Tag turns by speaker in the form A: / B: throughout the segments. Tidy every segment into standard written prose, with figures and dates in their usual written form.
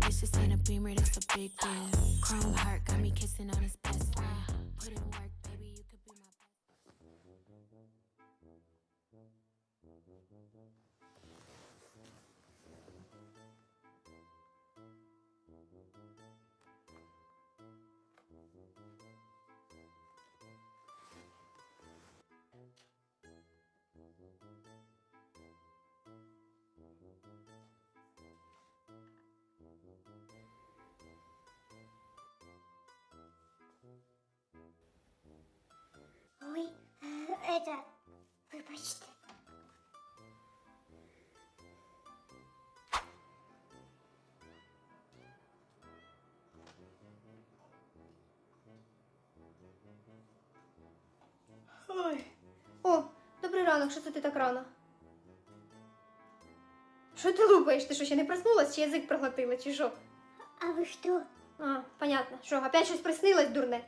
A: Wishes in a beamer, that's a big deal. Chrome heart got me kissing on his best friend. Put in work, baby, you could be my best.
B: Ой, вибачте.
C: Ой. О, добрий ранок, що це ти так рано? Що ти лупаєш? Ти що, ще не проснулась, чи язик проглотила, чи що?
B: А ви хто?
C: А, понятно. Що, опять щось приснилось, дурне?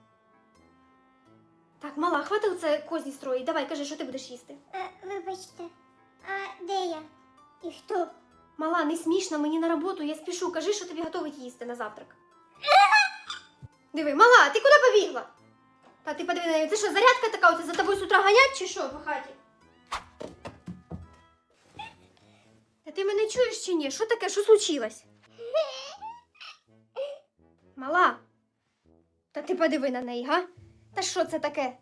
C: Так, мала, хвати оце козні строїть. Давай, кажи, що ти будеш їсти.
B: Вибачте, а де я? І хто?
C: Мала, не смішно, мені на роботу, я спішу. Кажи, що тобі готовить їсти на завтрак. Диви, мала, ти куди побігла? Та ти подиви на неї, це що, зарядка така, оце за тобою з утра ганять, чи що по хаті? Та ти мене чуєш чи ні? Що таке, що случилось? Мала, та ти подиви на неї, га? Та що це таке?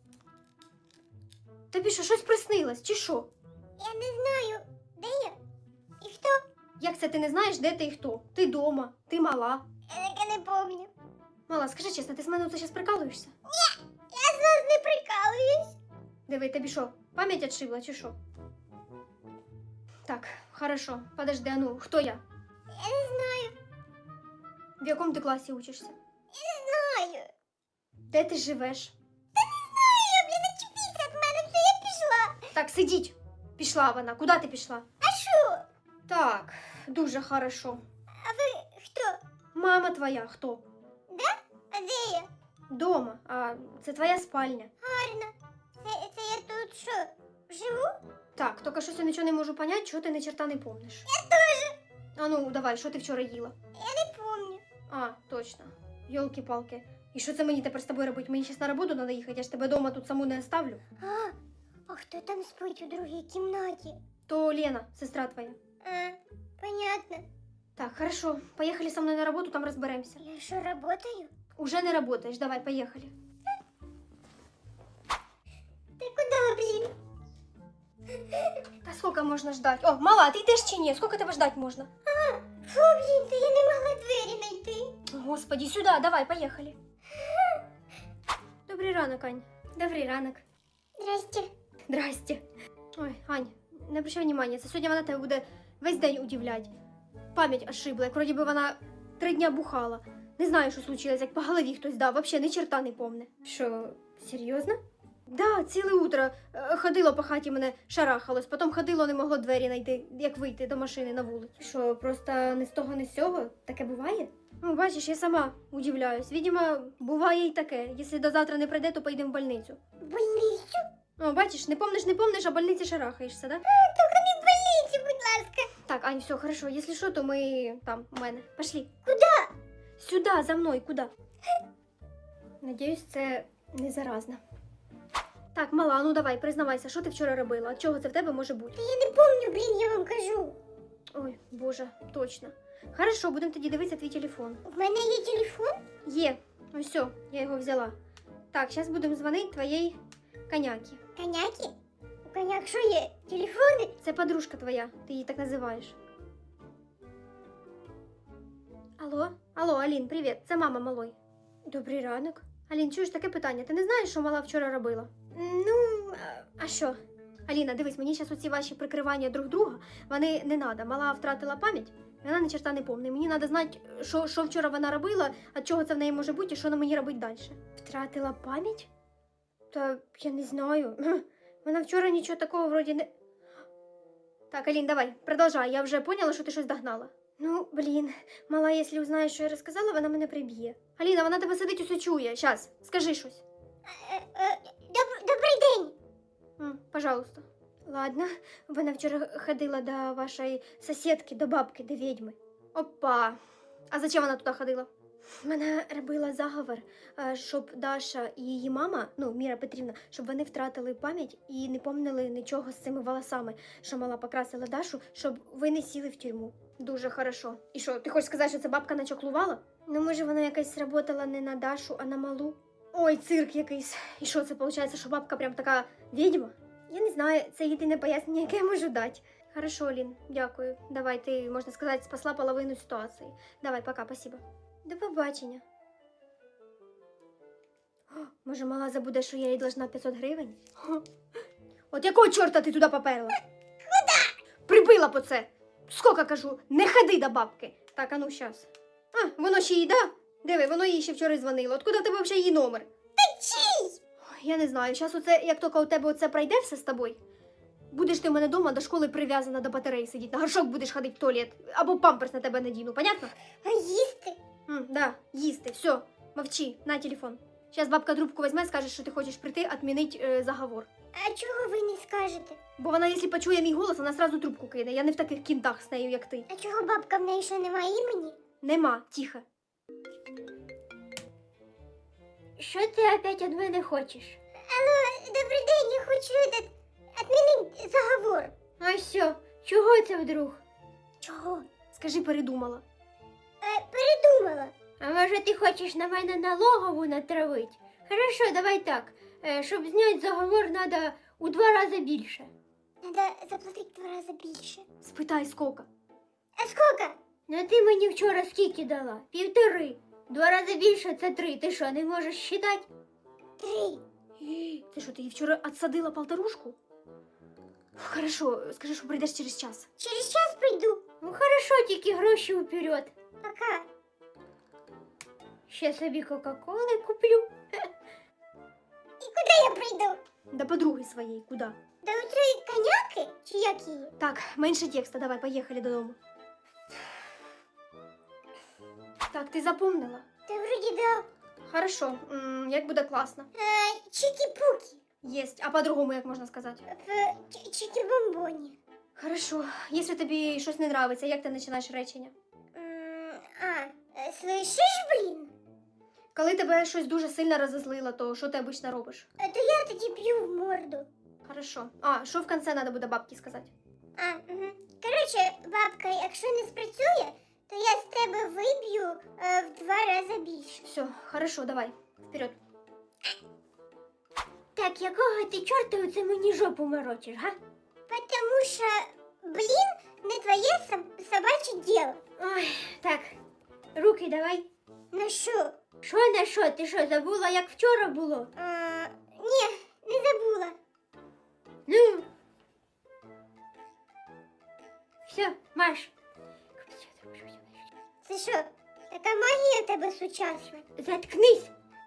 C: Тобі що, щось приснилось, чи що?
B: Я не знаю, де я? І хто?
C: Як це ти не знаєш, де ти і хто? Ти дома, ти мала.
B: Я таке не помню.
C: Мала, скажи чесно, ти з мене оце зараз прикалуєшся?
B: Я з вас не прикалуюсь.
C: Диви, тобі що, пам'ять отшибла, чи що? Так, хорошо, подожди, а ну, хто я?
B: Я не знаю,
C: В якому ти класі учишся?
B: знаю.
C: Де ти живеш?
B: Знаю, блін, очіпіться від мене, це я пішла.
C: Так, сидіть. Пішла вона. Куди ти пішла?
B: А що?
C: Так, дуже хорошо.
B: А ви хто?
C: Мама твоя хто?
B: А де я?
C: Дома. А це твоя спальня.
B: Гарно. Це я тут що, живу?
C: Так, тільки щось я нічого не можу поняти, чого ти ні черта не помниш.
B: Я теж.
C: А ну, давай, що ти вчора їла?
B: Я не помню.
C: А, точно. Йолки-палки. І що це мені тепер з тобою робити? Мені зараз на роботу треба їхати, я ж тебе вдома тут саму не оставлю.
B: А хто там спить у другій кімнаті?
C: То Лена, сестра твоя.
B: А, понятно.
C: Так, хорошо. Поехали со мной на работу, там разберемся.
B: Я що, работаю?
C: Уже не работаешь, давай, поехали.
B: Ти куди, блін?
C: Да сколько можно ждать? О, мала, ты йдеш чи ні? Сколько тебе ждать можна?
B: Фу, блін, та я не могла двері знайти.
C: Господи, сюда, давай, поехали. Добрий ранок, Ань. Добрий ранок.
B: Здрасте.
C: Здрасте. Ой, Ань, не обращай внимания, це сьогодні вона тебе буде весь день удивлять. Пам'ять ошибла, як вроді би вона 3 дня бухала. Не знаю, що случилось, як по голові хтось дав, вообще ні черта не помне. Що, серйозно? Да, ціле утро ходило по хаті, мене шарахалось, потім ходило, не могло двері знайти, як вийти до машини на вулицю. Що, просто не з того, не з сього? Таке буває? Ну, бачиш, я сама удивляюсь. Видимо, буває і таке. Якщо до завтра не прийде, то поїдемо в больницю.
B: Больницю?
C: О, бачиш, не помниш, а в больниці шарахаєшся, да?
B: Тільки не в больницю, будь ласка.
C: Так, Ань, все, хорошо. Если что, то мы там, у мене. Пошли.
B: Куда?
C: Сюда, за мною, куда? Надіюсь, це не заразно. Так, мала, ну давай, признавайся, що ти вчора робила? От чого це в тебе може бути?
B: Та я не помню, блін, я вам кажу.
C: Ой, боже, точно. Хорошо, будемо тоді дивитися твій телефон.
B: В мене є телефон?
C: Є. Ну все, я його взяла. Так, зараз будемо дзвонити твоїй коняки.
B: Коняки? У коняк що є? Телефони?
C: Це подружка твоя, ти її так називаєш. Алло? Алло, Алін, привіт, це мама малої. Добрий ранок. Алін, чуєш таке питання? Ти не знаєш, що мала вчора робила? Ну, а що? Аліна, дивись, мені зараз оці ваші прикривання друг друга, вони не треба. Мала втратила пам'ять, вона ні черта не помне. Мені треба знати, що вчора вона робила, а чого це в неї може бути і що на мені робити далі. Втратила пам'ять? Та я не знаю. Вона вчора нічого такого вроді не... Так, Алін, давай, продовжай. Я вже поняла, що ти щось догнала. Ну, блін, мала, якщо узнає, що я розказала, вона мене приб'є. Аліна, вона тебе сидить, усе чує. Щас, скажи щось.
B: Добрий день.
C: Пожалуйста. Ладно, вона вчора ходила до вашої сусідки, до бабки, до відьми. Опа. А зачем вона туди ходила? Мене робила заговор, щоб Даша і її мама, ну, Міра Петрівна, щоб вони втратили пам'ять і не помнили нічого з цими волосами, що мала покрасила Дашу, щоб ви не сіли в тюрму. Дуже хорошо. І що, ти хочеш сказати, що це бабка начоклувала? Ну, може, вона якась сработала не на Дашу, а на малу? Ой, цирк якийсь. І що, це виходить, що бабка прям така відьма? Я не знаю, це єдине пояснення, яке я можу дати. Хорошо, Лін, дякую. Давай, ти, можна сказати, спасла половину ситуації. Давай, пока, спасибо. До побачення. О, може, мала забуде, що я їй должна 500 гривень? О, от якого чорта ти туди поперла? Куда? Прибила по це. Скільки кажу, не ходи до бабки. Так, а ну, щас. А, воно ще їй, да? Диви, воно їй ще вчора дзвонило. Откуда в тебе взагалі її номер?
B: Та чий?
C: Ой, я не знаю, щас оце, як тільки у тебе оце пройде все з тобою, будеш ти в мене вдома до школи прив'язана до батареї сидіти, на горшок будеш ходити в туалет, або памперс на тебе надіну, понятно?
B: А їсти?
C: Да, їсти, все, мовчи, на телефон. Зараз бабка трубку візьме, скаже, що ти хочеш прийти, відмінити заговор.
B: А чого ви не скажете?
C: Бо вона, якщо почує мій голос, вона сразу трубку кине. Я не в таких кінтах з нею, як ти.
B: А чого бабка в неї що немає імені?
C: Нема, тихо.
D: Що ти опять від мене хочеш?
B: Алло, добрий день, я хочу відмінити заговор.
D: А що? Чого це вдруг?
B: Чого?
C: Скажи, передумала.
B: Передумала.
D: А може ти хочеш на мене налогову натравити? Хорошо, давай так. Щоб зняти заговор, треба у 2 рази більше.
B: Надо заплатити 2 рази більше.
C: Спитай, скільки.
B: А скільки?
D: Ну ти мені вчора скільки дала? 1,5. 2 рази більше це 3. Ти що, не можеш считати?
B: 3.
C: Ти що, ти їй вчора отсадила полторушку? Хорошо, скажи, що прийдеш через час.
B: Через час прийду.
D: Ну хорошо, тільки гроші вперед.
B: Пока.
D: Ще собі Кока-Коли куплю.
B: І куди я прийду?
C: До подруги своєї, куди?
B: До оцієї коняки? Чи як її?
C: Так, менше текста, давай, поїхали додому. Так, ти запомнила?
B: Та вроді да.
C: Хорошо, як буде класно.
B: Чики-пуки.
C: Єсть, а по-другому як можна сказати?
B: В чики-бомбоні.
C: Хорошо, якщо тобі щось не нравиться, як ти починаєш речення?
B: Слышиш, блін?
C: Коли тебе щось дуже сильно розозлило, то що ти обично робиш?
B: То я тоді б'ю в морду.
C: Хорошо. А, що в кінці треба буде бабці сказати?
B: Угу. Коротше, бабка, якщо не спрацює, то я з тебе виб'ю в 2 рази більше.
C: Все, хорошо, давай, вперед.
D: Так, якого ти чорта оце мені жопу морочиш, га?
B: Потому що, блін, не твоє собаче діло.
D: Ой, так, руки давай.
B: Ну що?
D: Що на що? Ти що, забула, як вчора було?
B: Ні, не забула.
D: Ну. Все, Маш.
B: Це що, така магія в тебе сучасна?
D: Заткнись.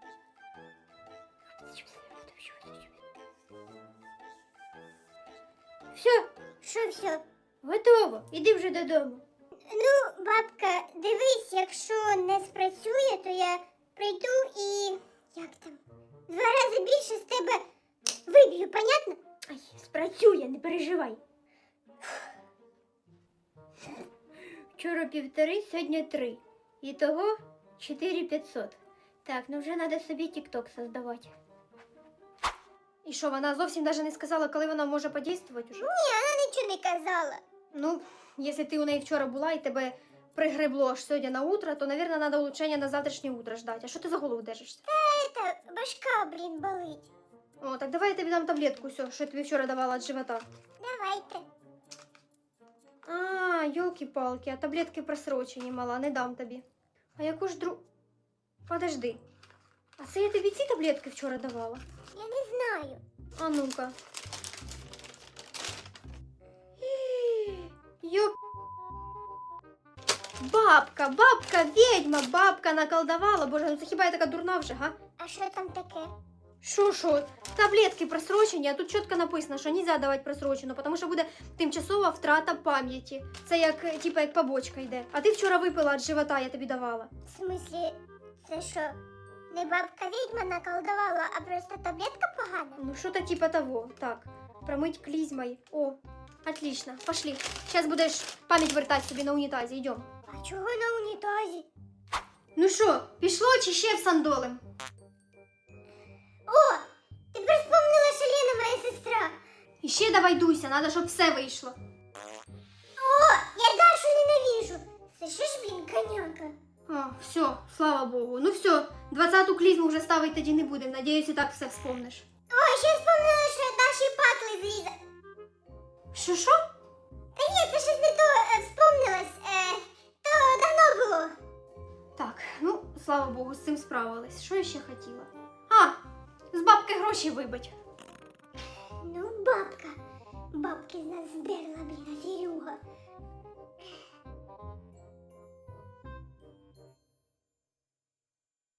D: Все,
B: Що все?
D: готово. Іди вже додому.
B: Ну, бабка, дивись, якщо не спрацює, то я прийду і... як там? 2 рази більше з тебе виб'ю, понятно?
D: Ай, спрацює, не переживай. Вчора 1,5, сьогодні 3. Ітого 4,500. Так, ну вже треба собі тік-ток создавати.
C: І що, вона зовсім навіть не сказала, коли вона може подействувати уже?
B: Ні, вона нічого не казала.
C: Ну, якщо ти у неї вчора була і тебе пригребло аж сьогодні на утро, то, мабуть, треба улучшення на завтрашнє утро ждати. А що ти за голову держишся?
B: Це башка, блін, болить.
C: О, так давай я тобі дам таблетку, все, що я тобі вчора давала від живота.
B: Давайте.
C: А, йолки-палки, а таблетки просрочені, мала, не дам тобі. А яку ж Подожди. А це я тобі ці таблетки вчора давала?
B: Я не знаю.
C: А ну-ка. Ёп. Бабка, ведьма, бабка наколдовала. Боже, ну це хіба я така дурна вже, га?
B: А що там таке?
C: Що? Таблетки просрочені, а тут чітко написано, що нельзя давати просрочену, тому що буде тимчасова втрата пам'яті. Це як, типа, як побочка йде. А ти вчора випила від живота, я тобі давала.
B: В смислі, це що, не бабка відьма наколдувала, а просто таблетка погана?
C: Ну, что-то типа того. Так, промыть клизмой. О, отлично, пошли. Сейчас будешь память вертать себе на унитазе, идем.
B: А чого на унітазі?
C: Ну що, пішло чи ще всандолим?
B: О, тепер вспомнила, що Лена моя сестра.
C: І ще давай дуйся, треба, щоб все вийшло.
B: О, я Дашу ненавижу. Це що ж, блін, коняка?
C: О, все, слава Богу. Ну все, 20-ту клізму вже ставити тоді не будемо. Надіюсь, і так все вспомниш.
B: Ой, ще вспомнила, що Даші патли зрізав.
C: Що?
B: Та ні, це щось не то вспомнилось. То давно було.
C: Так, ну, слава Богу, з цим справилась. Що я ще хотіла? А, з бабки гроші вибить.
B: Ну, бабка. Бабки з нас здерла, блін, аферюга.